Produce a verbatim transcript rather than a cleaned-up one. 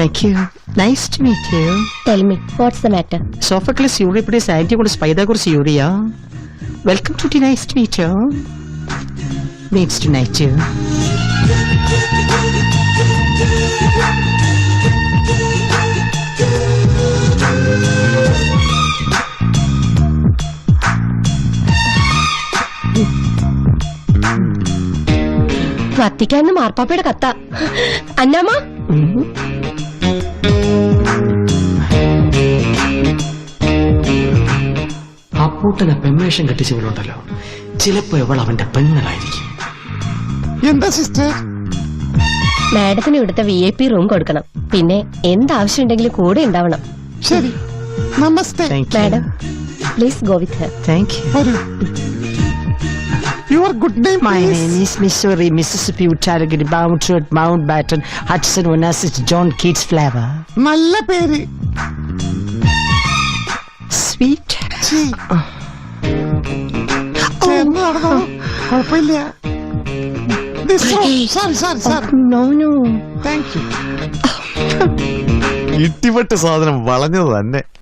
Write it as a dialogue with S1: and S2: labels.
S1: Thank you. Nice to meet you.
S2: Tell me, what's the matter?
S1: Sophocles Euripides Antiochus Pythagoras Euria. Welcome to the Nice to meet you. Means to meet you.
S2: വത്തിക്കാന്ന് മാർപ്പാപ്പയുടെ കത്ത. അന്നാമ്മ,
S1: അപ്പൂട്ടനെ പെമ്മേഷം കെട്ടിച്ചവളുണ്ടല്ലോ, ചിലപ്പോ ഇവൾ അവന്റെ പെങ്ങളായിരിക്കും.
S3: എന്താ sister?
S2: മാഡത്തിന് ഇവിടുത്തെ V I P room കൊടുക്കണം. പിന്നെ എന്താവശ്യം ഉണ്ടെങ്കിലും കൂടെ ഉണ്ടാവണം.
S3: ശരി, നമസ്തേ.
S2: Madam, please go with her.
S1: Thank you.
S3: വരൂ. Your good name,
S1: My
S3: please?
S1: name is Missouri, Mississippi, Tarragona, Mountford, Mountbatten, Hudson, Onassis, John Keats Flavor.
S3: നല്ല പേര്.
S1: Sweet.
S3: ഛീ. ചേർന്ന് നടന്നോ? കുഴപ്പമില്ല. This room. Sorry, sorry, sorry.
S1: No, no.
S3: Thank you.
S4: ഇട്ടിപ്പെട്ട് സാധനം വളഞ്ഞത് തന്നെ.